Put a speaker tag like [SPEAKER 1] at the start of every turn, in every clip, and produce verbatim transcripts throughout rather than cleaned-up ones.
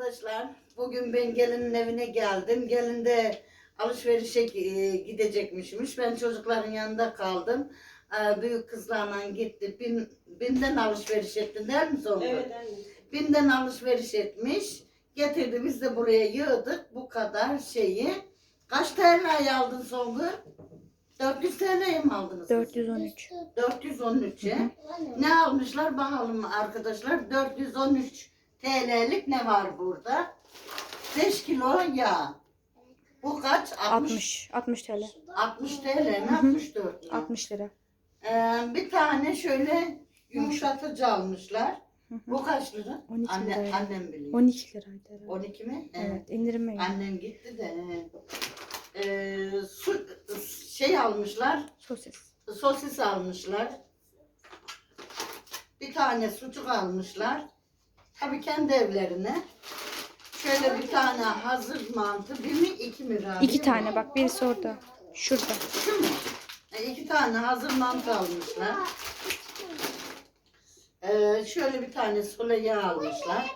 [SPEAKER 1] arkadaşlar. Bugün ben gelinin evine geldim. Gelin de alışverişe e, gidecekmişmiş. Ben çocukların yanında kaldım. Ee, büyük kızlarla gitti. Bin, Bim'den alışveriş etti değil mi Songül?
[SPEAKER 2] Evet anne.
[SPEAKER 1] Bim'den alışveriş etmiş. Getirdi, biz de buraya yığdık. Bu kadar şeyi. Kaç T L'ye aldın Songül? dört yüz T L'ye mi aldınız?
[SPEAKER 3] dört yüz on üç.
[SPEAKER 1] dört yüz on üçe. Ne almışlar bakalım arkadaşlar. dört yüz on üç T L'lik ne var burada? beş kilo yağ. Bu kaç?
[SPEAKER 3] altmış. altmış T L.
[SPEAKER 1] altmış T L mi? altmış dört mi?
[SPEAKER 3] altmış lira.
[SPEAKER 1] Ee, bir tane şöyle yumuşatıcı almışlar. Bu kaç lira?
[SPEAKER 3] on iki
[SPEAKER 1] Anne,
[SPEAKER 3] liraydı.
[SPEAKER 1] annem biliyor.
[SPEAKER 3] on iki liraydı herhalde.
[SPEAKER 1] on iki mi?
[SPEAKER 3] Evet, indirime geldi.
[SPEAKER 1] Annem gitti de. Ee, su, şey almışlar.
[SPEAKER 3] Sosis.
[SPEAKER 1] Sosis almışlar. Bir tane sucuk almışlar. Tabii kendi evlerine. Şöyle bir tane hazır mantı. Bir mi iki mi? Rabia?
[SPEAKER 3] İki tane bak, birisi orada. Şurada.
[SPEAKER 1] Şu mu? E, iki tane hazır mantı almışlar. Ee, şöyle bir tane sule yağ almışlar.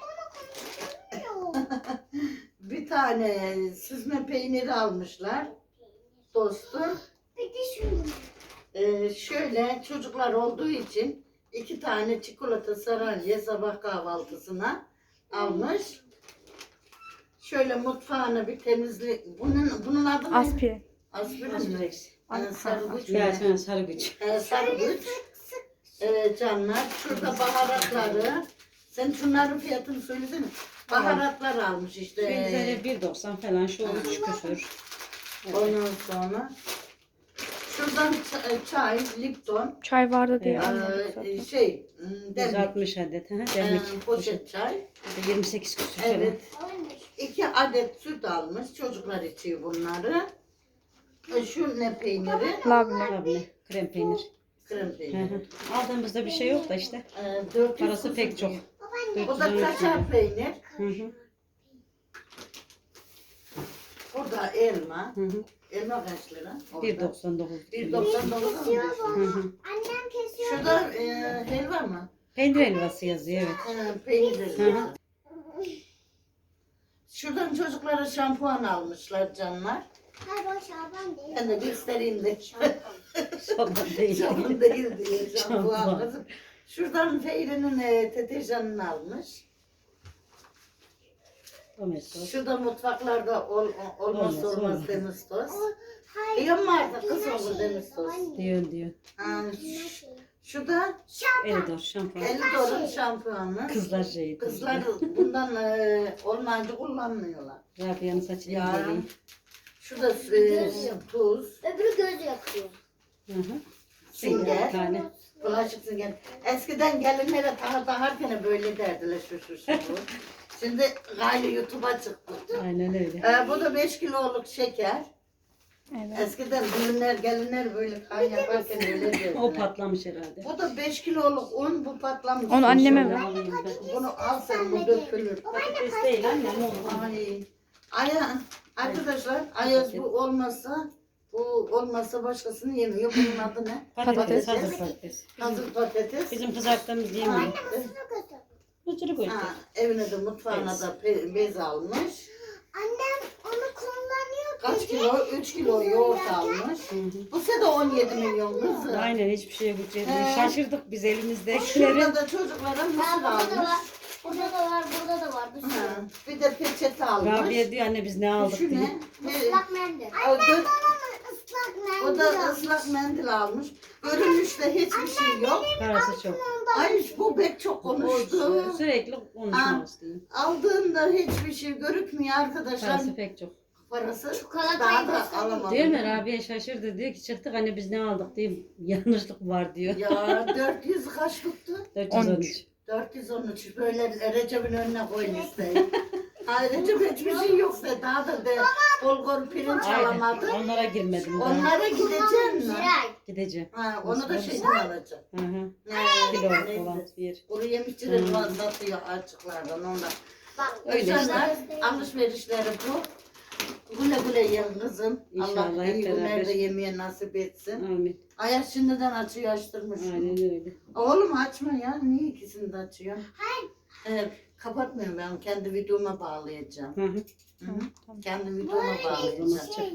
[SPEAKER 1] Bir tane süzme peyniri almışlar. Dostum. Ee, şöyle çocuklar olduğu için iki tane çikolata saralye sabah kahvaltısına almış. Şöyle mutfağını bir temizlik. Bunun bunun adı ne?
[SPEAKER 3] Aspirin.
[SPEAKER 1] Aspirin mi?
[SPEAKER 2] Aspirex.
[SPEAKER 1] Ee, sarıgıç
[SPEAKER 2] Ya
[SPEAKER 1] mı?
[SPEAKER 2] sen sarı güç.
[SPEAKER 1] Ee, sarıgıç. Ee, canlar. Şurada baharatları. Sen şunların fiyatını söylesene. Baharatlar almış işte.
[SPEAKER 2] Benzeri bir doksan falan şu üç küsür.
[SPEAKER 1] Ondan sonra. Şuradan ç- çay, Lipton.
[SPEAKER 3] Çay vardı diye
[SPEAKER 1] Ee,
[SPEAKER 3] almadık zaten.
[SPEAKER 1] şey, ım,
[SPEAKER 2] yüz
[SPEAKER 1] demlik.
[SPEAKER 2] altmış adet. Ha,
[SPEAKER 1] Ee,
[SPEAKER 2] demlik.
[SPEAKER 1] poşet çay.
[SPEAKER 2] Poşet. yirmi sekiz küsür
[SPEAKER 1] Evet. İki adet süt almış. Çocuklar içiyor bunları. E, şu ne peyniri?
[SPEAKER 3] Labne.
[SPEAKER 2] falan. Abone. Krem peynir.
[SPEAKER 1] Krem
[SPEAKER 2] Hı
[SPEAKER 1] peyniri.
[SPEAKER 2] hı. Aldığımızda bir şey yok da işte.
[SPEAKER 1] Ee, dört yüz
[SPEAKER 2] Parası pek çok.
[SPEAKER 1] Bu da kaşar peynir.
[SPEAKER 2] Hı hı.
[SPEAKER 1] Burada elma.
[SPEAKER 2] Hı hı.
[SPEAKER 1] Elma kaç lira?
[SPEAKER 2] bir doksan dokuz.
[SPEAKER 1] bir doksan dokuz mu?
[SPEAKER 2] Hı hı.
[SPEAKER 4] Annem kesiyor.
[SPEAKER 1] Şurada e, helva mı?
[SPEAKER 2] Peynir helvası yazıyor evet.
[SPEAKER 1] E, peynir
[SPEAKER 2] Hı
[SPEAKER 1] helva.
[SPEAKER 2] hı.
[SPEAKER 1] Şuradan çocuklara şampuan almışlar canlar.
[SPEAKER 4] Hayır o Şaban değil.
[SPEAKER 1] Ben de göstereyim de.
[SPEAKER 2] Sabah değil.
[SPEAKER 1] Şampuan değil diye şampuan
[SPEAKER 2] Şampuan.
[SPEAKER 1] kızım. Şuradan Feyri'nin e, deterjanını almış.
[SPEAKER 2] Domestos.
[SPEAKER 1] Şurada mutfaklarda ol, olmaz
[SPEAKER 2] Olmaz,
[SPEAKER 1] olmaz
[SPEAKER 2] olmaz.
[SPEAKER 1] Demestos.
[SPEAKER 4] Hayır.
[SPEAKER 1] Diyor mu artık kız olur Demestos?
[SPEAKER 2] Diyor diyor.
[SPEAKER 1] Ha, ş- Şurada
[SPEAKER 2] Elidor şampuan.
[SPEAKER 1] Elidor'un şampuanı.
[SPEAKER 2] Kızlar şeyi.
[SPEAKER 1] Kızlar bundan e, olmayınca kullanmıyorlar.
[SPEAKER 2] Rabia'nın saçını
[SPEAKER 1] Ya.
[SPEAKER 2] inceleyeyim.
[SPEAKER 1] Şurada e, tuz,
[SPEAKER 4] Öbürü göz yakıyor.
[SPEAKER 2] Hı hı.
[SPEAKER 1] sünger,
[SPEAKER 2] Bir tane.
[SPEAKER 1] bulaşık sünger. Eskiden gelinlere tahır taharken böyle derdiler şu şu şu. bu. Şimdi gayrı YouTube'a çıktı.
[SPEAKER 2] Aynen öyle.
[SPEAKER 1] E, bu da beş kiloluk şeker.
[SPEAKER 3] Evet.
[SPEAKER 1] Eskiden düğünler gelinler böyle kan yaparken öyle derdiler.
[SPEAKER 2] O patlamış herhalde.
[SPEAKER 1] Bu da beş kiloluk un, bu patlamış.
[SPEAKER 3] Onu anneme
[SPEAKER 2] Şöyle
[SPEAKER 3] ver.
[SPEAKER 2] alayım ben.
[SPEAKER 1] Bunu al sen, bu dökülür.
[SPEAKER 2] Patates değil annem oğlum.
[SPEAKER 1] Ay, Aya, arkadaşlar, Ayaz bu olmasa, bu olmasa başkasını yemiyor. Bunun adı ne?
[SPEAKER 2] Patates,
[SPEAKER 3] Patates.
[SPEAKER 2] hazır patates.
[SPEAKER 1] Hazır patates.
[SPEAKER 2] Bizim kızarttığımız yemiyor. Bıcırık koyduk.
[SPEAKER 1] Ha, evine de mutfağına da pe- bez almış.
[SPEAKER 4] Annem onu kullanıyor.
[SPEAKER 1] Kaç kilo? üç kilo yoğurt almış.
[SPEAKER 2] Hı hı.
[SPEAKER 1] Bu sene on yedi milyon kızım.
[SPEAKER 2] Aynen hiçbir şeye bütçeyelim.
[SPEAKER 1] He.
[SPEAKER 2] Şaşırdık biz elimizdekileri.
[SPEAKER 1] Şurada da çocuklara
[SPEAKER 4] Ha,
[SPEAKER 1] mısır
[SPEAKER 4] burada da
[SPEAKER 1] almış.
[SPEAKER 4] var. Burada da var. Burada da var. Bir sürü.
[SPEAKER 1] Ha, bir de peçete almış.
[SPEAKER 2] Rabia diyor anne biz ne aldık
[SPEAKER 1] Şu
[SPEAKER 2] diye.
[SPEAKER 1] ne? Ne?
[SPEAKER 4] Islak mendil.
[SPEAKER 1] O da,
[SPEAKER 4] Islak mendil.
[SPEAKER 1] o da ıslak mendil almış. Görünüşte hiçbir şey yok.
[SPEAKER 2] Parası çok.
[SPEAKER 1] Ay bu bek çok konuştu.
[SPEAKER 2] Sürekli
[SPEAKER 1] Ha.
[SPEAKER 2] konuşmak istiyor.
[SPEAKER 1] Aldığında hiçbir şey görükmüyor arkadaşlar.
[SPEAKER 2] Parası pek çok.
[SPEAKER 1] Parası
[SPEAKER 4] Çikolatayı
[SPEAKER 1] daha da
[SPEAKER 4] göstereyim.
[SPEAKER 1] alamadım.
[SPEAKER 2] Değil mi? Rabia şaşırdı diyor ki çıktık anne biz ne aldık diye yanlışlık var diyor.
[SPEAKER 1] Ya dört yüz kaç tuttu?
[SPEAKER 2] dört yüz on üç.
[SPEAKER 1] dört yüz on üç böyle Recep'in önüne koy listeyi. Ha Recep hiçbir şey yoksa daha da de bulgur pirinç alamadı.
[SPEAKER 2] Aynen. Onlara girmedim daha.
[SPEAKER 1] Onlara gideceksin mi?
[SPEAKER 4] Ziray.
[SPEAKER 2] Gideceğim.
[SPEAKER 1] Ha, onu da
[SPEAKER 2] Nasıl
[SPEAKER 1] şeyden alacağım.
[SPEAKER 2] Hı hı.
[SPEAKER 1] Ne?
[SPEAKER 2] Kilo
[SPEAKER 1] Neyse.
[SPEAKER 2] falan bir.
[SPEAKER 1] Kuru yemişçiler
[SPEAKER 2] Hmm.
[SPEAKER 1] var satıyor açıklardan ondan.
[SPEAKER 4] Bak.
[SPEAKER 2] Öyle
[SPEAKER 1] Canlar,
[SPEAKER 4] işte.
[SPEAKER 1] alışverişleri bu. Güle güle yiyin kızım.
[SPEAKER 2] İnşallah
[SPEAKER 1] Allah
[SPEAKER 2] hep
[SPEAKER 1] iyi günler
[SPEAKER 2] beraber.
[SPEAKER 1] de yemeye nasip etsin.
[SPEAKER 2] Amin.
[SPEAKER 1] Ayaz şimdiden açıyor açtırmış.
[SPEAKER 2] Aynen öyle.
[SPEAKER 1] Oğlum açma ya. Niye ikisini de açıyor?
[SPEAKER 4] Hayır.
[SPEAKER 1] Evet. Kapatmıyorum, ben kendi videoma bağlayacağım.
[SPEAKER 2] Hı hı.
[SPEAKER 1] Hı hı.
[SPEAKER 3] Tamam.
[SPEAKER 1] Kendi videoma bağlayacağım.
[SPEAKER 2] O zaman çek.